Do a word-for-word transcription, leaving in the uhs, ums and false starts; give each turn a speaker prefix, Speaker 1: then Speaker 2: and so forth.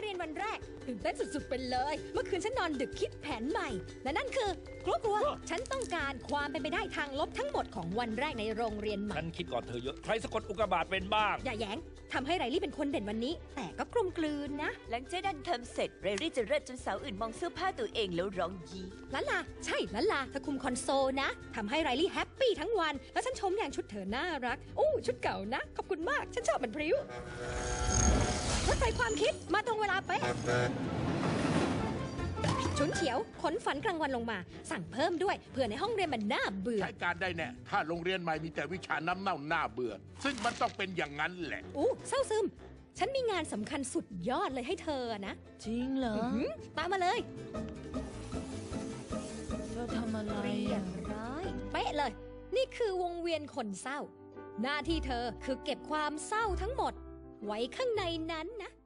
Speaker 1: เรียนวันแรกตื่นเต้นสุดๆไปเลยเมื่อคืนฉันนอนดึกคิดแผนใหม่และนั่นคือกลัวกลัวฉันต้องการความเป็นไปได้ทางลบทั้งหมดของวันแรกในโรงเรียนใหม่
Speaker 2: ฉันคิดก่อนเธอเยอะใครสะกดอุกกาบาตเป็นบ้าง
Speaker 1: อย่าแย้งทำให้ไรลี่เป็นคนเด่นวันนี้แต่ก็กลมกลืนนะ
Speaker 3: หลังเจ๊ดันทำเสร็จเรรี่จะเลิศจนสาวอื่นมองเสื้อผ้าตัวเองแล้วร้องยี้
Speaker 1: ลันลาใช่ลันลาเธอคุมคอนโซลนะทำให้ไรลี่แฮปปี้ทั้งวันแล้วฉันชมอย่างชุดเธอน่ารักอู้ชุดเก่านะขอบคุณมากฉันชอบมันพริ้วรถไฟความคิดมาตรงเวลาเป๊ะฉุนเฉียวขนฝันกลางวันลงมาสั่งเพิ่มด้วยเพื่อในห้องเรียนมันน่าเบื่อ
Speaker 4: ใช้การได้แน่ถ้าโรงเรียนใหม่มีแต่วิชาน้ำเน่าหน้าเบื่อซึ่งมันต้องเป็นอย่างนั้นแหละ
Speaker 1: อู้เศร้าซึมฉันมีงานสำคัญสุดยอดเลยให้เธอนะ
Speaker 5: จริงเหรอ
Speaker 1: หืมตามมาเลย
Speaker 5: เธอทำอะไร
Speaker 1: เรีย
Speaker 5: อ่ะ
Speaker 1: บร้อยเป๊ะเลย นี่คือวงเวียนคนเศร้า หน้าที่เธอคือเก็บความเศร้าทั้งหมด ไว้ข้างในนั้นนะ